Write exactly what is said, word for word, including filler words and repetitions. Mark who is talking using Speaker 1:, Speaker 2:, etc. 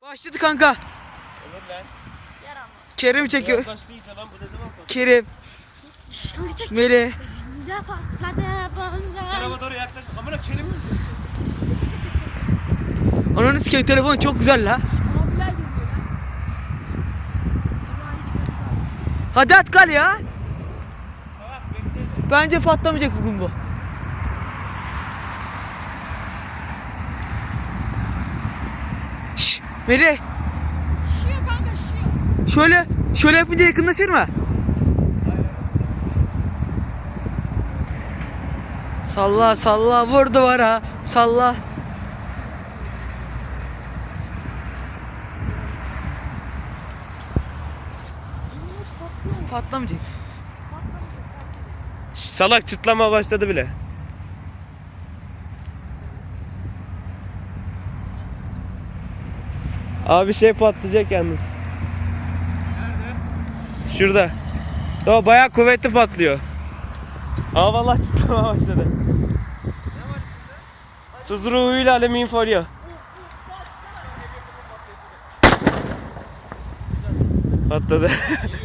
Speaker 1: Başladı kanka.
Speaker 2: Olur lan.
Speaker 3: Yaramaz.
Speaker 1: Kerim çekiyor.
Speaker 2: Yaklaştıysa lan bu ne zaman patladı?
Speaker 1: Kerim,
Speaker 3: Şşş kanka çek.
Speaker 1: Melih.
Speaker 3: Ne patladı bonzai.
Speaker 2: Tarafa doğru yaklaş. Amına Kerim.
Speaker 1: Ananı sikeyim, telefon çok güzel la.
Speaker 3: Mobilya geliyor lan. Allah'a iyi dikkat et.
Speaker 1: Hadi at kal ya.
Speaker 2: Salak bekle.
Speaker 1: Bence patlamayacak bugün bu. Şşş Melih.
Speaker 3: Şişiyor kanka şişiyor.
Speaker 1: Şöyle şöyle yapınca yakınlaşır mı? Salla salla vur duvara salla. Patlamayacak.
Speaker 2: Şş, salak çıtlama başladı bile. Abi şey patlayacak yalnız. Nerede? Şurada. O bayağı kuvvetli patlıyor. Aa vallahi çıtlama başladı. Ne var içinde? Tuz ruhuyla alüminyum folyo. Patladı.